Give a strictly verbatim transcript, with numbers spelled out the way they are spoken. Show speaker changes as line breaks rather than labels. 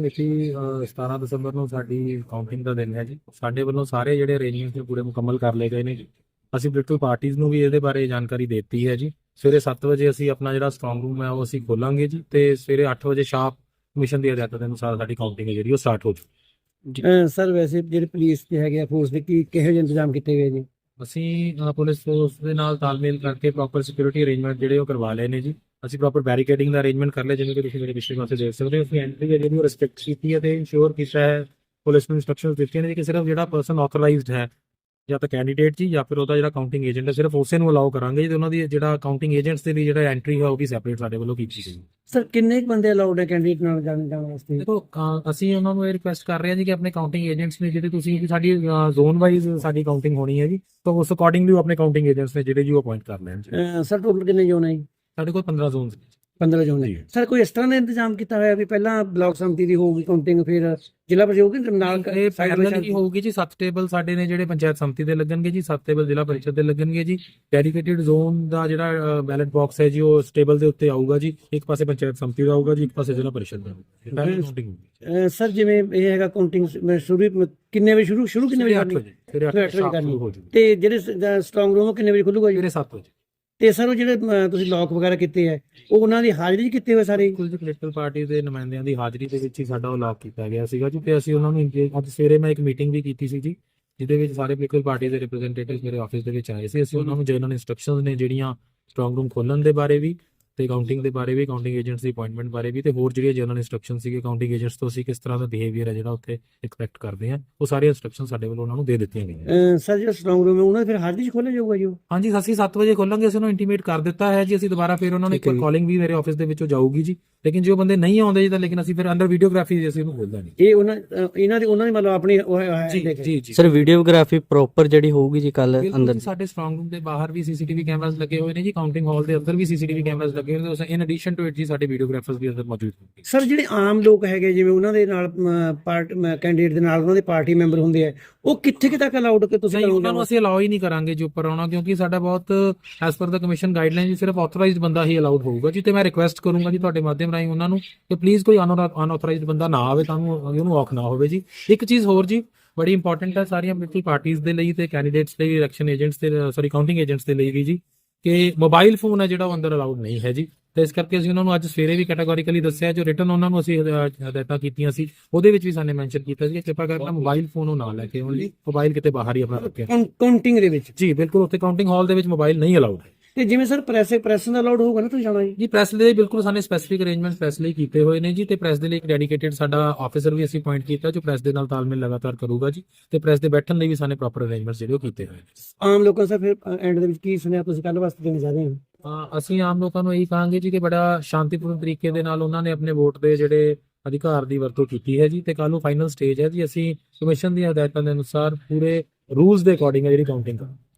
ਮਿਤੀ ਸਤਾਰਾਂ ਦਸੰਬਰ ਨੂੰ ਸਾਡੀ ਕਾਊਂਟਿੰਗ ਦਾ ਦਿਨ ਹੈ ਜੀ। ਸਾਡੇ ਵੱਲੋਂ ਸਾਰੇ ਜਿਹੜੇ ਅਰੇਂਜਮੈਂਟ ਨੇ ਪੂਰੇ ਮੁਕੰਮਲ ਕਰ ਲਏ ਗਏ ਨੇ ਜੀ। ਅਸੀਂ ਪੋਲੀਟੀਕਲ ਪਾਰਟੀਆਂ ਨੂੰ ਵੀ ਇਹਦੇ ਬਾਰੇ ਜਾਣਕਾਰੀ ਦੇ ਦਿੱਤੀ ਹੈ ਜੀ। ਸਵੇਰੇ ਸੱਤ ਵਜੇ ਅਸੀਂ ਆਪਣਾ ਜਿਹੜਾ ਸਟਰੋਂਗ ਰੂਮ ਹੈ ਉਹ ਅਸੀਂ ਖੋਲਾਂਗੇ ਜੀ, ਤੇ ਸਵੇਰੇ ਅੱਠ ਵਜੇ ਸ਼ਾਰਪ ਕਮਿਸ਼ਨ ਦੀ ਹਦਾਇਤਾਂ ਦੇ ਅਨੁਸਾਰ ਸਾਡੀ ਕਾਊਂਟਿੰਗ ਹੈ ਜਿਹੜੀ ਉਹ ਸਟਾਰਟ ਹੋ ਜੂਗੀ।
ਸਰ ਵੈਸੇ ਜਿਹੜੇ ਪੁਲਿਸ ਦੇ ਹੈਗੇ ਆ ਫੋਰਸ ਦੇ ਕੀ ਕਿਹੋ ਜਿਹੇ ਇੰਤਜ਼ਾਮ ਕੀਤੇ ਗਏ ਜੀ?
ਅਸੀਂ ਅ, ਪੁਲਿਸ ਫੋਰਸ ਦੇ ਨਾਲ ਤਾਲਮੇਲ ਕਰਕੇ ਪ੍ਰੋਪਰ ਸਿਕਿਉਰਿਟੀ ਅਰੇਂਜਮੈਂਟ ਜਿਹੜੇ ਉਹ ਕਰਵਾ ਲਏ ਨੇ ਜੀ। ਅਸੀਂ ਪ੍ਰੋਪਰ ਬੈਰੀਕੇਡਿੰਗ ਦਾ ਅਰੇਂਜਮੈਂਟ ਕਰ ਲਿਆ, ਜਿਵੇਂ ਕਿ ਤੁਸੀਂ ਮੇਰੇ ਪਿਛਲੇ ਪਾਸੇ ਦੇਖ ਸਕਦੇ ਹੋ। ਅਸੀਂ ਐਂਟਰੀ ਹੈ ਜਿਹੜੀ ਉਹ ਰਿਸਪੈਕਟ ਕੀਤੀ ਹੈ ਤੇ ਇੰਸ਼ੋਰ ਕੀਤਾ ਹੈ, ਪੁਲਿਸ ਨੂੰ ਇਨਸਟਰਕਸ਼ਨਸ ਦਿੱਤੀਆਂ ਨੇ ਕਿ ਸਿਰਫ ਜਿਹੜਾ ਪਰਸਨ ਆਥੋਰਾਈਜ਼ਡ ਹੈ ਜਾਂ ਤਾਂ ਕੈਂਡੀਡੇਟ ਜੀ ਜਾਂ ਫਿਰ ਉਹਦਾ ਜਿਹੜਾ ਕਾਊਂਟਿੰਗ ਏਜੰਟ ਹੈ, ਸਿਰਫ ਉਸੇ ਨੂੰ ਅਲਾਉ ਕਰਾਂਗੇ ਜੀ। ਤੇ ਉਹਨਾਂ ਦੀ ਜਿਹੜਾ ਕਾਊਂਟਿੰਗ ਏਜੰਟਸ ਦੇ ਲਈ ਜਿਹੜਾ ਐਂਟਰੀ ਹੈ ਉਹ ਵੀ ਸੈਪਰੇਟ ਸਾਡੇ ਵੱਲੋਂ ਕੀਤੀ ਗਈ।
ਸਰ ਕਿੰਨੇ ਕੁ ਬੰਦੇ ਅਲਾਉਡ ਹੈ ਕੈਂਡੀਡੇਟ ਨਾਲ ਜਾਣ ਜਾਣ ਵਾਸਤੇ?
ਦੇਖੋ ਅ, ਅਸੀਂ ਉਹਨਾਂ ਨੂੰ ਇਹ ਰਿਕੁਐਸਟ ਕਰ ਰਹੇ ਹਾਂ ਜੀ ਕਿ ਆਪਣੇ ਕਾਊਂਟਿੰਗ ਏਜੰਟਸ ਨੇ ਜਿਹੜੇ ਤੁਸੀਂ ਕਿ ਸਾਡੀ ਜ਼ੋਨ ਵਾਈਜ਼ ਸਾਡੀ ਕਾਊਂਟਿੰਗ ਹੋਣੀ ਹੈ ਜੀ, ਤਾਂ ਉਸ ਅਕੋਰਡਿੰਗਲੀ ਆਪਣੇ ਕਾਊਂਟਿੰਗ ਏਜੰਟਸ ਨੇ ਜਿਹੜੇ ਜੀ ਉਹ ਅਪਾਇੰਟ ਕਰ ਲੈਣ ਜੀ।
ਅਹ ਸਰ ਟੋਟਲ ਕਿੰਨੇ ਜ਼ੋਨ ਹੈ ਜੀ?
ਸਾਡੇ ਕੋਲ ਪੰਦਰਾਂ ਜ਼ੋਨਸ ਨੇ।
ਪੰਦਰਾਂ ਜ਼ੋਨ ਹੈ ਸਰ। ਕੋਈ ਇਸ ਤਰ੍ਹਾਂ ਦਾ ਇੰਤਜ਼ਾਮ ਕੀਤਾ ਹੋਇਆ ਵੀ ਪਹਿਲਾਂ ਬਲਾਕ ਸੰਮਤੀ ਦੀ ਹੋਊਗੀ ਕਾਊਂਟਿੰਗ, ਫਿਰ ਜ਼ਿਲ੍ਹਾ ਪਰਿਸ਼ਦ ਹੋਊਗੀ ਨਾਲ
ਇਹ ਪੈਰਲਲ ਹੀ ਹੋਊਗੀ ਜੀ। ਸੱਤ ਟੇਬਲ ਸਾਡੇ ਨੇ ਜਿਹੜੇ ਪੰਚਾਇਤ ਸੰਮਤੀ ਦੇ ਲੱਗਣਗੇ ਜੀ, ਸੱਤ ਟੇਬਲ ਜ਼ਿਲ੍ਹਾ ਪਰਿਸ਼ਦ ਦੇ ਲੱਗਣਗੇ ਜੀ। ਡੈਡੀਕੇਟਿਡ ਜ਼ੋਨ ਦਾ ਜਿਹੜਾ ਬੈਲਟ ਬਾਕਸ ਹੈ ਜੀ ਉਹ ਉਸ ਟੇਬਲ ਦੇ ਉੱਤੇ ਆਊਗਾ ਜੀ। ਇੱਕ ਪਾਸੇ ਪੰਚਾਇਤ ਸੰਮਤੀ ਦਾ ਆਊਗਾ ਜੀ, ਇੱਕ ਪਾਸੇ ਜ਼ਿਲ੍ਹਾ ਪਰਿਸ਼ਦ ਦਾ।
ਅਹ ਸਰ ਜਿਵੇਂ ਇਹ ਹੈਗਾ ਕਾਊਂਟਿੰਗ ਸ਼ੁਰੂ ਕਿੰਨੇ ਵਜੇ ਸ਼ੁਰੂ ਸ਼ੁਰੂ ਕਿੰਨੇ ਵਜੇ
ਅੱਠ ਵਜੇ ਫਿਰ ਅੱਠ ਵਜੇ ਕਰਨੀ ਹੋ ਜੂਗੀ।
ਤੇ ਜਿਹੜੇ ਸਟਰੋਂਗ ਰੂਮ ਕਿੰਨੇ ਵਜੇ ਖੁੱਲੂਗਾ ਜੀ?
ਸਵੇਰੇ ਸੱਤ ਵਜੇ।
ਤੇ ਸਰ ਉਹ ਜਿਹੜੇ ਅਹ, ਤੁਸੀਂ ਲੋਕ ਵਗੈਰਾ ਕੀਤੇ ਹੈ ਉਹ ਉਹਨਾਂ ਦੀ ਹਾਜ਼ਰੀ 'ਚ ਕੀਤੇ ਹੋਏ ਸਾਰੇ?
ਕੁਝ ਪੋਲੀਟੀਕਲ ਪਾਰਟੀ ਦੇ ਨੁਮਾਇੰਦਿਆਂ ਦੀ ਹਾਜ਼ਰੀ ਦੇ ਵਿੱਚ ਹੀ ਸਾਡਾ ਉਹ ਲੌਕ ਕੀਤਾ ਗਿਆ ਸੀਗਾ ਜੀ। ਤੇ ਅਸੀਂ ਉਹਨਾਂ ਨੂੰ engage- ਅੱਜ ਸਵੇਰੇ ਮੈਂ ਇੱਕ ਮੀਟਿੰਗ ਵੀ ਕੀਤੀ ਸੀ ਜੀ, ਜਿਹਦੇ ਵਿੱਚ ਸਾਰੇ ਪੋਲੀਟੀਕਲ ਪਾਰਟੀ ਦੇ ਰਿਪਰੈਜ਼ੈਂਟੇਟਿਵ ਮੇਰੇ ਆਫਿਸ ਦੇ ਵਿੱਚ ਆਏ ਸੀ। ਅਸੀਂ ਉਹਨਾਂ ਨੂੰ ਜਨਰਲ ਇਨਸਟਰਕਸ਼ਨਸ ਨੇ ਜਿਹੜੀਆਂ ਸਟਰੋਂਗ ਰੂਮ ਖੋਲਣ ਦੇ ਬਾਰੇ ਵੀ, ਤੇ ਕਾਊਂਟਿੰਗ ਦੇ ਬਾਰੇ ਵੀ, ਕਾਊਂਟਿੰਗ ਏਜੰਟਸ ਦੀ ਅਪਾਇੰਟਮੈਂਟ ਬਾਰੇ ਵੀ, ਤੇ ਹੋਰ ਜਿਹੜੀਆਂ ਜਨਰਲ ਇਨਸਟਰਕਸ਼ਨ ਸੀਗੇ ਕਾਊਂਟਿੰਗ ਏਜੰਟਸ ਤੋਂ ਅਸੀਂ ਕਿਸ ਤਰ੍ਹਾਂ ਦਾ ਬਿਹੇਵੀਅਰ ਹੈ ਜਿਹੜਾ ਉੱਥੇ ਐਕਸਪੈਕਟ ਕਰਦੇ ਹਾਂ, ਉਹ ਸਾਰੇ ਇਨਸਟਰਕਸ਼ਨ ਸਾਡੇ ਵੱਲੋਂ ਉਹਨਾਂ ਨੂੰ ਦੇ ਦਿੱਤੀਆਂ ਗਈਆਂ।
ਅਹ, ਸਰ ਜਿਹੜਾ ਸਟਰੋਂਗ ਰੂਮ ਹੈ ਉਹਨਾਂ ਦੀ ਫਿਰ ਹਾਜ਼ਰੀ 'ਚ ਖੋਲ੍ਹਿਆ ਜਾਊਗਾ ਜੀ ਉਹ?
ਹਾਂਜੀ, ਅਸੀਂ ਸੱਤ ਵਜੇ ਖੋਲਾਂਗੇ। ਅਸੀਂ ਉਹਨੂੰ ਇੰਟੀਮੇਟ ਕਰ ਦਿੱਤਾ ਹੈ ਜੀ। ਅਸੀਂ ਦੁਬਾਰਾ ਫਿਰ ਉਹਨਾਂ ਨੂੰ ਇੱਕ ਵਾਰ ਕਾਲਿੰਗ ਵੀ ਮੇਰੇ ਆਫਿਸ ਦੇ ਵਿੱਚੋਂ ਜਾਊਗੀ ਜੀ। ਲੇਕਿਨ ਜੋ ਬੰਦੇ ਨਹੀਂ ਆਉਂਦੇ ਜੀ ਤਾਂ ਲੇਕਿਨ ਅਸੀਂ ਫਿਰ ਅੰਡਰ ਵੀਡੀਓਗ੍ਰਾਫੀ ਅਸੀਂ ਉਹਨੂੰ ਖੋਲਦਾ ਨਹੀਂ।
ਇਹ ਉਹਨਾਂ ਅਹ, ਇਹਨਾਂ ਦੀ ਉਹਨਾਂ ਦੀ ਮਤਲਬ ਆਪਣੀ ਉਹ ਹੈ-
ਜੀ ਜੀ ਜੀ
ਸਰ ਵੀਡੀਓਗ੍ਰਾਫੀ ਪ੍ਰੋਪਰ ਜਿਹੜੀ ਹੋਊਗੀ ਜੀ ਕੱਲ
ਬਿਲਕੁਲ
ਅੰਦਰ?
ਜੀ, ਸਾਡੇ ਸਟਰੋਂਗ ਰੂਮ ਦੇ ਬਾਹਰ ਵੀ ਸੀਸੀਟੀਵੀ ਕੈਮਰਾਸ ਲੱਗੇ ਹੋਏ ਨੇ ਜੀ। ਕਾਊਂਟਿੰਗ ਹਾਲ ਦੇ ਅੰਦਰ ਵੀ ਸੀਸੀਟੀਵੀ ਕੈਮਰਾਸ ਲੱਗੇ ਹੋਏ ਨੇ। ਇਨ ਐਡੀਸ਼ਨ ਟੂ ਇਟ ਜੀ ਸਾਡੇ ਵੀਡੀਓਗ੍ਰਾਫਰਸ ਵੀ ਅੰਦਰ ਮੌਜੂਦ ਹੋਣਗੇ।
ਸਰ ਜਿਹੜੇ ਆਮ ਲੋਕ ਹੈਗੇ ਜਿਵੇਂ ਉਹਨਾਂ ਦੇ ਨਾਲ ਪਾਰਟ ਕੈਂਡੀਡੇਟ ਦੇ ਨਾਲ ਉਹਨਾਂ ਦੇ ਪਾਰਟੀ ਮੈਂਬਰ ਹੁੰਦੇ ਆ, ਉਹ ਕਿੱਥੇ ਕਿ ਤੱਕ ਅਲਾਉਡ ਕਿ ਤੁਸੀਂ
ਨਹੀਂ, ਉਹਨਾਂ ਨੂੰ ਅਸੀਂ ਅਲਾਉ ਹੀ ਨਹੀਂ ਕਰਾਂਗੇ ਜੀ ਉੱਪਰ ਆਉਣਾ, ਕਿਉਂਕਿ ਸਾਡਾ ਬਹੁਤ ਐਸ ਪਰ ਦਾ ਕਮਿਸ਼ਨ ਗਾਈਡਲਾਈਨ ਜੀ ਸਿਰਫ ਆਥੋਰਾਈਜ਼ਡ ਬੰਦਾ ਹੀ ਅਲਾਉਡ ਹੋਊਗਾ ਜੀ। ਤੇ ਮੈਂ ਰਿਕੁਐਸਟ ਕਰੂੰਗਾ ਜੀ ਤੁਹਾਡੇ ਮਾਧਿਅਮ ਰਾਹੀਂ ਉਹਨਾਂ ਨੂੰ ਕਿ ਪਲੀਜ਼ ਕੋਈ ਅਨਆਥੋਰਾਈਜ਼ਡ ਬੰਦਾ ਨਾ ਆਵੇ, ਤੁਹਾਨੂੰ ਉਹਨੂੰ ਔਖ ਨਾ ਹੋਵੇ ਜੀ। ਇੱਕ ਚੀਜ਼ ਹੋਰ ਜੀ ਬੜੀ ਇੰਪੋਰਟੈਂਟ ਹੈ ਸਾਰੀਆਂ ਪੋਲੀਟੀਕਲ ਪਾਰਟੀਆਂ ਦੇ ਲਈ ਤੇ ਕੈਂਡੀਡੇਟਸ ਲਈ, ਇਲੈਕਸ਼ਨ ਏਜੰਟਸ ਤੇ ਸੌਰੀ ਕਾਊਂਟਿੰਗ ਏਜੰਟਸ ਦੇ ਲਈ ਵੀ ਜੀ, ਕਿ ਮੋਬਾਈਲ ਫੋਨ ਹੈ ਜਿਹੜਾ ਉਹ ਅੰਦਰ ਅਲਾਉਡ ਨਹੀਂ ਹੈ ਜੀ। ਤੇ ਇਸ ਕਰਕੇ ਅਸੀਂ ਉਹਨਾਂ ਨੂੰ ਅੱਜ ਸਵੇਰੇ ਵੀ ਕੈਟਾਗੋਰੀਕਲੀ ਦੱਸਿਆ, ਜੋ ਰਿਟਨ ਉਹਨਾਂ ਨੂੰ ਅਸੀਂ ਹਦਾਇਤਾਂ ਕੀਤੀਆਂ ਸੀ ਉਹਦੇ ਵਿੱਚ ਵੀ ਸਾਨੇ ਮੈਂਸ਼ਨ ਕੀਤਾ ਸੀ ਕਿ ਕਿਰਪਾ ਕਰਕੇ ਮੋਬਾਈਲ ਫੋਨ ਉਹ ਨਾ ਲੈ ਕੇ ਆਉਣ ਜੀ। ਮੋਬਾਈਲ ਕਿਤੇ ਬਾਹਰ ਹੀ ਆਪਣਾ ਰੱਖਿਆ
ਕਾਊਂਟਿੰਗ ਦੇ ਵਿੱਚ
ਜੀ। ਬਿਲਕੁਲ, ਉੱਥੇ ਕਾਊਂਟਿੰਗ ਹਾਲ ਦੇ ਵਿੱਚ ਮੋਬਾਈਲ ਨਹੀਂ ਅਲਾਉਡ ਹੈ।
ਤੇ ਜਿਵੇਂ ਸਰ ਪ੍ਰੈਸ ਪ੍ਰੈਸ ਦਾ ਅਲਾਉਡ ਹੋਊਗਾ ਨਾ ਤੁਸੀਂ ਜਾਣਾ ਜੀ?
ਜੀ ਪ੍ਰੈਸ ਲਈ ਬਿਲਕੁਲ ਸਾਨੇ ਸਪੈਸੀਫਿਕ ਅਰੇਂਜਮੈਂਟ ਪ੍ਰੈਸ ਲਈ ਕੀਤੇ ਹੋਏ ਨੇ ਜੀ। ਤੇ ਪ੍ਰੈਸ ਦੇ ਲਈ ਇੱਕ ਡੈਡੀਕੇਟਿਡ ਸਾਡਾ ਆਫੀਸਰ ਵੀ ਅਸੀਂ ਅਪਾਇੰਟ ਕੀਤਾ ਜੋ ਪ੍ਰੈਸ ਦੇ ਨਾਲ ਤਾਲਮੇਲ ਲਗਾਤਾਰ ਕਰੂਗਾ ਜੀ। ਤੇ ਪ੍ਰੈਸ ਦੇ ਬੈਠਣ ਲਈ ਵੀ ਸਾਨੇ ਪ੍ਰੋਪਰ ਅਰੇਂਜਮੈਂਟਸ ਜਿਹੜੇ ਉਹ ਕੀਤੇ ਹੋਏ ਨੇ।
ਆਮ ਲੋਕਾਂ ਸਰ ਫਿਰ ਐਂਡ ਦੇ ਵਿੱਚ ਕੀ ਸੁਣਿਆ ਤੁਸੀਂ ਕੱਲ ਵਾਸਤੇ ਦੇਣਾ ਚਾਹਦੇ ਹੋ?
ਅਹ ਅਸੀਂ ਆਮ ਲੋਕਾਂ ਨੂੰ ਇਹੀ ਕਹਾਂਗੇ ਜੀ ਕਿ ਬੜਾ ਸ਼ਾਂਤੀਪੂਰਨ ਤਰੀਕੇ ਦੇ ਨਾਲ ਉਹਨਾਂ ਨੇ ਆਪਣੇ ਵੋਟ ਦੇ ਜਿਹੜੇ ਅਧਿਕਾਰ ਦੀ ਵਰਤੋਂ ਕੀਤੀ ਹੈ ਜੀ। ਤੇ ਕੱਲ ਨੂੰ ਫਾਈਨਲ ਸਟੇਜ ਹੈ ਜੀ। ਅਸੀਂ ਕਮਿਸ਼ਨ ਦੀਆਂ ਹਦਾਇਤਾਂ ਦੇ ਅਨੁਸਾਰ ਪੂਰੇ ਰੂਲਸ ਦੇ ਅਕੋਰਡਿੰਗ ਹੈ ਜਿਹੜੀ ਕਾਊਂਟਿੰਗ ਕਰਾਂਗੇ।